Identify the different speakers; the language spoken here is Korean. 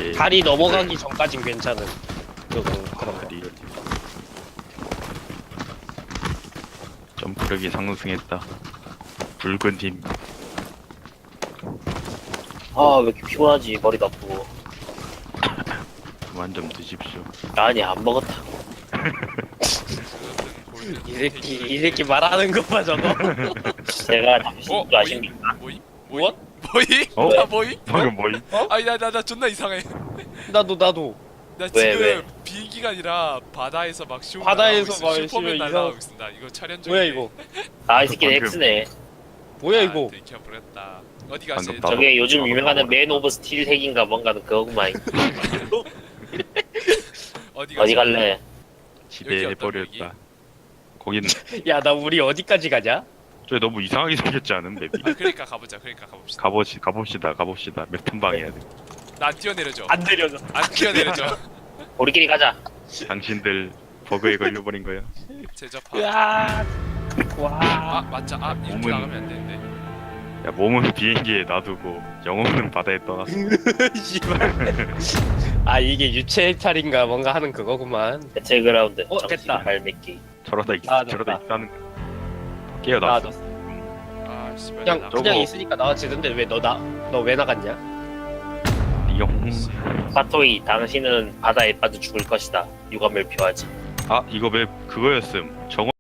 Speaker 1: 다리 넘어가기 전까진 괜찮은 그런 거.
Speaker 2: 점프력이 상승했다. 붉은 힘.
Speaker 3: 아, 왜 이렇게 피곤하지? 머리도 아프고.
Speaker 2: 그만 좀 드십시오.
Speaker 3: 아니, 안 먹었다.
Speaker 1: 이 새끼 말하는 거 봐 저거.
Speaker 3: 제가 당신도
Speaker 4: 뭐임?
Speaker 3: 아십니까?
Speaker 4: 뭐임?
Speaker 1: What?
Speaker 4: 뭐임?
Speaker 2: 어?
Speaker 4: 나 뭐임?
Speaker 2: 방금 뭐임?
Speaker 4: 아니 나 존나 이상해.
Speaker 1: 나도
Speaker 4: 나
Speaker 3: 왜,
Speaker 4: 지금
Speaker 3: 왜?
Speaker 4: 비행기가 아니라 바다에서 막 쇼
Speaker 1: 바다에서 막
Speaker 4: 슈퍼맨
Speaker 1: 슈퍼맨
Speaker 4: 날아가고 있습니다. 이거 촬영 중에.
Speaker 1: 뭐야 이거?
Speaker 3: 아, 이 새끼
Speaker 2: 방금-
Speaker 3: X네.
Speaker 1: 뭐야 이거?
Speaker 4: 들켜버렸다. 어디 가지?
Speaker 2: 방금 나도-
Speaker 3: 저게 요즘 유명하는
Speaker 2: 나도
Speaker 3: 맨 오브 스틸 핵인가 뭔가는 그거구만. 어디 갈래?
Speaker 2: 지배해버렸다. 거기는
Speaker 1: 야 나 우리 어디까지 가냐?
Speaker 2: 저 너무 이상하게 생겼지 않은 맵이?
Speaker 4: 아 그러니까 가보자. 그러니까 가봅시다. 가봅시다. 몇 턴 방해야 돼. 나 안 뛰어내려줘.
Speaker 1: 안 내려져.
Speaker 4: 안 뛰어내려줘.
Speaker 3: 우리끼리 가자.
Speaker 2: 당신들 버그에 걸려버린 거야.
Speaker 4: 제접하.
Speaker 1: 으아.
Speaker 4: 아
Speaker 1: 와.
Speaker 4: 맞자. 아 이렇게
Speaker 2: 몸은-
Speaker 4: 나가면 안 되는데.
Speaker 2: 야 몸은 비행기에 놔두고 영혼은 바다에 떠났어.
Speaker 1: 씨발. 아 이게 유체 해탈인가 뭔가 하는 그거구만.
Speaker 3: 배틀그라운드.
Speaker 1: 됐다.
Speaker 3: 발매기.
Speaker 2: 저러다
Speaker 1: 아,
Speaker 2: 저러다
Speaker 1: 됐다.
Speaker 2: 있다는 거. 깨어났어.
Speaker 1: 나왔어.
Speaker 4: 아 씨발.
Speaker 1: 그냥
Speaker 4: 나-
Speaker 1: 그냥
Speaker 2: 저거-
Speaker 1: 있으니까 나와지는데 왜 너 왜 나갔냐?
Speaker 2: 용.
Speaker 3: 파토이, 당신은 바다에 빠져 죽을 것이다. 유감을 표하지.
Speaker 2: 아 이거 맵 그거였음. 정원